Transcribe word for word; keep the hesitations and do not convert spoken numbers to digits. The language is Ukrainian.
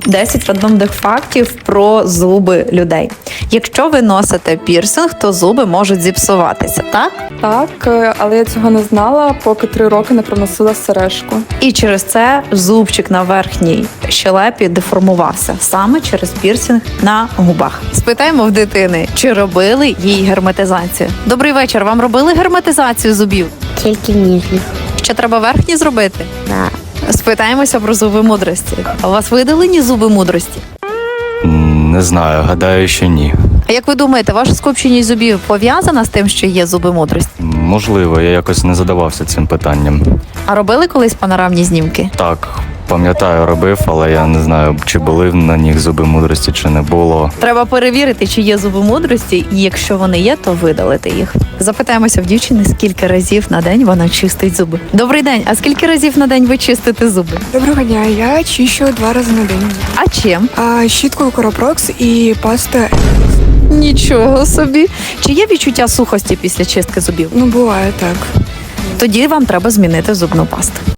десять рандомних фактів про зуби людей. Якщо ви носите пірсинг, то зуби можуть зіпсуватися, так? Так, е, але я цього не знала, поки три роки не проносила сережку. І через це зубчик на верхній щелепі деформувався саме через пірсинг на губах. Спитаємо в дитини, чи робили їй герметизацію. Добрий вечір. Вам робили герметизацію зубів? Тільки ніжних. Ще треба верхні зробити? Да. Спитаємося про зуби мудрості. А у вас видалені зуби мудрості? М, Не знаю, гадаю, що ні. А як ви думаєте, ваша скупченість зубів пов'язана з тим, що є зуби мудрості? Можливо, я якось не задавався цим питанням. А робили колись панорамні знімки? Так, пам'ятаю, робив, але я не знаю, чи були на них зуби мудрості, чи не було. Треба перевірити, чи є зуби мудрості, і якщо вони є, то видалити їх. Запитаємося в дівчини, скільки разів на день вона чистить зуби. Добрий день, а скільки разів на день ви чистите зуби? Доброго дня, я чищу два рази на день. А чим? А, щіткою Coroprox і паста. Нічого собі. Чи є відчуття сухості після чистки зубів? Ну, буває так. Тоді вам треба змінити зубну пасту.